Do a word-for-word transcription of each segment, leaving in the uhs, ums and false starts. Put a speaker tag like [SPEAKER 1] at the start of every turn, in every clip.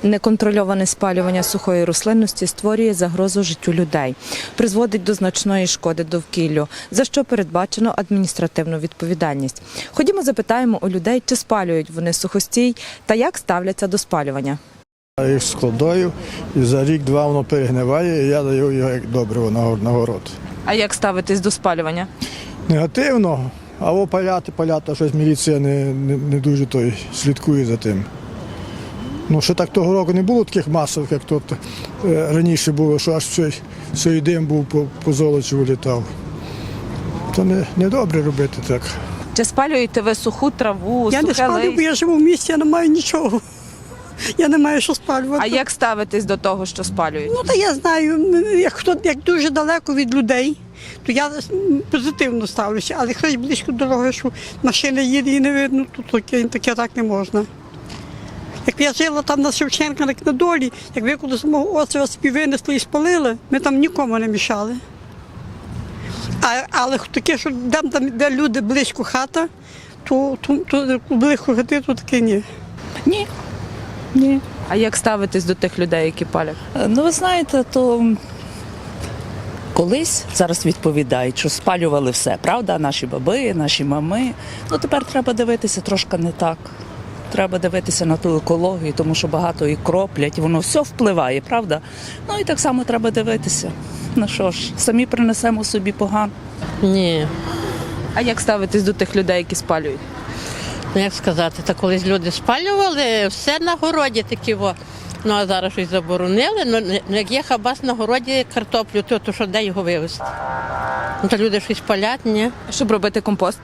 [SPEAKER 1] Неконтрольоване спалювання сухої рослинності створює загрозу життю людей, призводить до значної шкоди довкіллю, за що передбачено адміністративну відповідальність. Ходімо запитаємо у людей, чи спалюють вони сухостій та як ставляться до спалювання.
[SPEAKER 2] Я їх складаю, і за рік-два воно перегниває, і я даю його як добриво на город.
[SPEAKER 1] А як ставитесь до спалювання?
[SPEAKER 2] Негативно, або паляти, паляти, а щось міліція не, не, не дуже той слідкує за тим. Ну, ще так того року не було таких масових, як тут е, раніше було, що аж цей, цей дим був по, по золочу вилітав. То не, не добре робити так.
[SPEAKER 1] Чи спалюєте ви суху траву,
[SPEAKER 3] Я
[SPEAKER 1] сухе
[SPEAKER 3] не спалюю, бо
[SPEAKER 1] листя?
[SPEAKER 3] я живу в місті, я не маю нічого. Я не маю що спалювати.
[SPEAKER 1] А як ставитесь до того, що спалюють?
[SPEAKER 3] Ну, та я знаю, як, хто, як дуже далеко від людей, то я позитивно ставлюся. Але хтось близько дороги, що машина їде і не видно, то таке, таке так не можна. Як я жила там на Шевченка, як на долі, як ви коли з мого острова собі винесли і спалили, ми там нікому не мішали. А, але таке, що там, там, де люди близько хата, то, то, то близько хати, то таке ні.
[SPEAKER 4] Ні. Ні.
[SPEAKER 1] А як ставитесь до тих людей, які палять?
[SPEAKER 4] Ну, ви знаєте, то колись зараз відповідають, що спалювали все, правда? Наші баби, наші мами. Ну, тепер треба дивитися трошки не так. Треба дивитися на ту екологію, тому що багато і кроплять, воно все впливає, правда? Ну і так само треба дивитися. Ну що ж, самі принесемо собі погано.
[SPEAKER 5] Ні,
[SPEAKER 1] А як ставитесь до тих людей, які спалюють?
[SPEAKER 5] ну як сказати, та колись люди спалювали, все на городі такі, во. Ну а зараз щось заборонили, ну не- ну, як є хабас на городі картоплю, то, то що де його вивезти? Ну то люди щось палять, ні.
[SPEAKER 1] Щоб робити компост?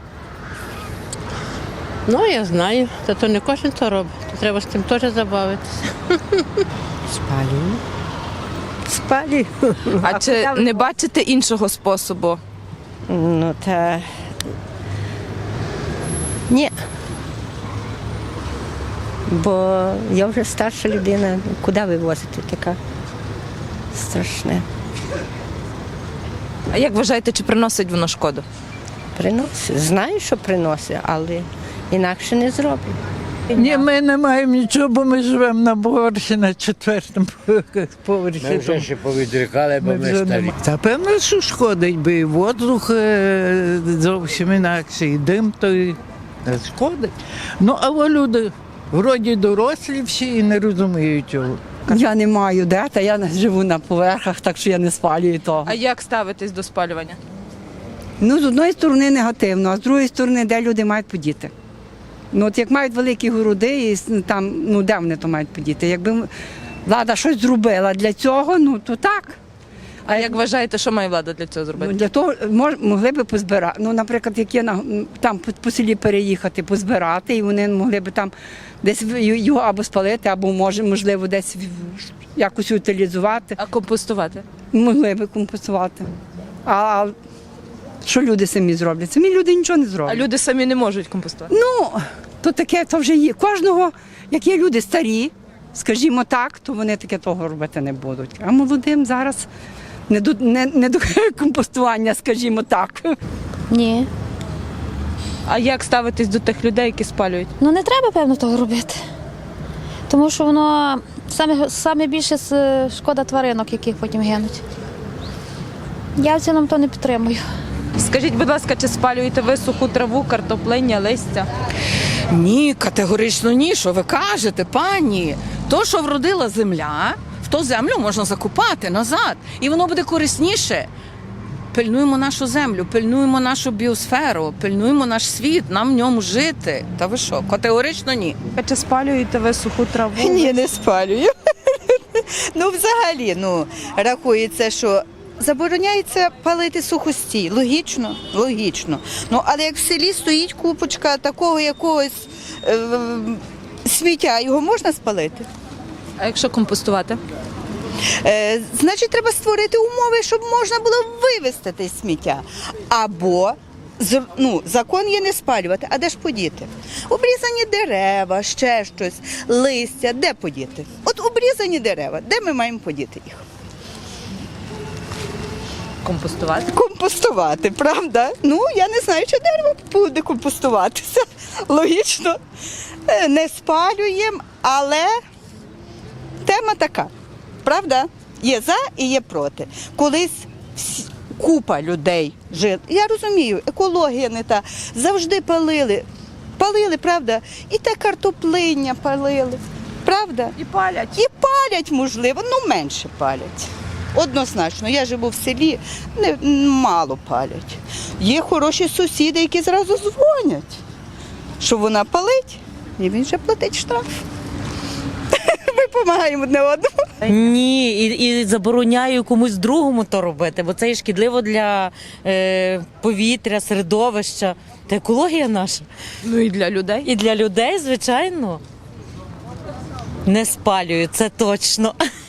[SPEAKER 5] Ну я знаю, та то не кожен то робить, то треба з тим теж забавитися.
[SPEAKER 6] Спалюю. Спалюю.
[SPEAKER 1] А чи не бачите іншого способу?
[SPEAKER 6] Ну, та... Ні. Бо я вже старша людина. Куди вивозити така? Страшне.
[SPEAKER 1] А як вважаєте, чи приносить воно шкоду?
[SPEAKER 6] Приносить. Знаю, що приносить, але інакше не зроблю.
[SPEAKER 7] Ні, ми не маємо нічого, бо ми живемо на Бугорщі, на четвертому поверсі.
[SPEAKER 8] Ми вже ще повідрікали, бо
[SPEAKER 7] Ми
[SPEAKER 8] ми,
[SPEAKER 7] вже
[SPEAKER 8] старі.
[SPEAKER 7] нема. Та певно, що шкодить, бо і воздух е, зовсім інакше, і дим то і не шкодить. Ну, а во люди вроді дорослі всі і не розуміють цього.
[SPEAKER 3] Я не маю де, та я живу на поверхах, так що я не спалюю того.
[SPEAKER 1] А як ставитесь до спалювання?
[SPEAKER 3] Ну, з одної сторони негативно, а з другої сторони, де люди мають подіти. Ну, от як мають великі городи, і с- там, ну, де вони то мають подіти? Якби влада щось зробила для цього, ну, то так.
[SPEAKER 1] А як вважаєте, що має влада для цього
[SPEAKER 3] Ну,
[SPEAKER 1] зробити?
[SPEAKER 3] для того мож, могли би позбирати. Ну, наприклад, як є на, там по, по селі переїхати, позбирати, і вони могли б там десь в- його або спалити, або може, можливо, десь в- якось утилізувати.
[SPEAKER 1] А компостувати?
[SPEAKER 3] Могли би компенсувати. А що люди самі зроблять? Самі люди нічого не
[SPEAKER 1] А
[SPEAKER 3] зроблять.
[SPEAKER 1] люди самі не можуть компостувати.
[SPEAKER 3] Ну, то таке, то вже є. Кожного, як є люди старі, скажімо так, то вони таке того робити не будуть. А молодим зараз не до, не, не до компостування, скажімо так.
[SPEAKER 9] Ні.
[SPEAKER 1] А як ставитесь до тих людей, які спалюють?
[SPEAKER 9] Ну не треба, певно, того робити. Тому що воно саме, саме більше с- шкода тваринок, яких потім гинуть. Я в цілому то не підтримую.
[SPEAKER 1] Скажіть, будь ласка, чи спалюєте ви суху траву, картоплиння, листя?
[SPEAKER 4] Ні, категорично ні. Що ви кажете, пані? То, що вродила земля, в ту землю можна закупати назад, і воно буде корисніше. Пильнуємо нашу землю, пильнуємо нашу біосферу, пильнуємо наш світ, нам в ньому жити. Та ви що, категорично ні.
[SPEAKER 1] А чи спалюєте ви суху траву?
[SPEAKER 10] Ні, не спалюю. Ну, взагалі, ну, рахується, що забороняється палити сухостій. Логічно? Логічно. Ну, але як в селі стоїть купочка такого якогось е, сміття, його можна спалити?
[SPEAKER 1] А якщо компостувати?
[SPEAKER 10] Е, значить, треба створити умови, щоб можна було вивезти те сміття. Або з- ну, закон є не спалювати, а де ж подіти? Обрізані дерева, ще щось, листя, де подіти? От обрізані дерева, де ми маємо подіти їх?
[SPEAKER 1] Компостувати?
[SPEAKER 10] Компостувати, правда? Ну, я не знаю, чи дерево буде компостуватися. Логічно. Е, Не спалюємо, але така. Правда? Є за і є проти. Колись всі- купа людей жила. Я розумію, екологія не та. Завжди палили. Палили, правда? І те картоплиння палили. Правда?
[SPEAKER 1] І палять.
[SPEAKER 10] І палять, можливо, ну менше палять. Однозначно, я живу в селі, не, мало палять. Є хороші сусіди, які зразу дзвонять, що вона палить, і він вже платить штраф. Ми допомагаємо одне одному.
[SPEAKER 8] Ні, і, і забороняю комусь другому то робити, бо це є шкідливо для е, повітря, середовища. Та екологія наша.
[SPEAKER 1] Ну і для людей.
[SPEAKER 8] І для людей, звичайно. Не спалюю, це точно.